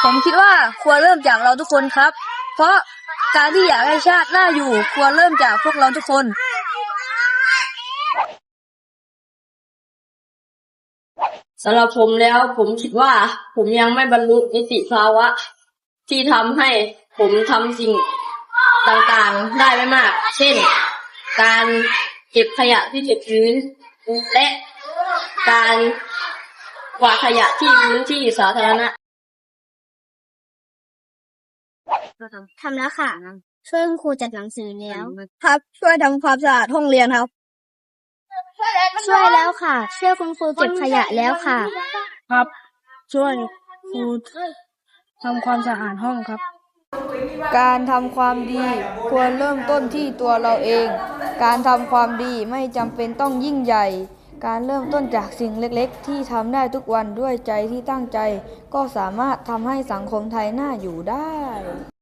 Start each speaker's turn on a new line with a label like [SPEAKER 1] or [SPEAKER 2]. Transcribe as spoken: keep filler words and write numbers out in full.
[SPEAKER 1] ผมคิดว่าควรเริ่มจากเราทุกคนครับ เพราะการที่อยากให้ชาติน่าอยู่ควรเริ่มจากพวกเราทุกคน
[SPEAKER 2] สำหรับผมแล้วผมคิดว่าผมยังไม่บรรลุนิติภาวะที่ทำให้ผมทำสิ่งต่างๆได้ไม่มาก เช่น การเก็บขยะที่เก็บพื้นและการกวาดขยะที่พื้นที่สาธารณะ
[SPEAKER 3] ทำแล้วค่ะ ช่วยคุณครูจัดหนังสือแล้ว
[SPEAKER 1] ครับช่วยทำความสะอาดห้องเรียนครับ
[SPEAKER 3] ช่วยแล้วค่ะ ช่วยคุณครูเก็บขยะแล้วค่ะ
[SPEAKER 1] ครับช่วยครูทำความสะอาดห้องครับการทำความดีควรเริ่มต้นที่ตัวเราเอง การทำความดีไม่จำเป็นต้องยิ่งใหญ่ การเริ่มต้นจากสิ่งเล็กๆที่ทำได้ทุกวันด้วยใจที่ตั้งใจก็สามารถทำให้สังคมไทยน่าอยู่ได้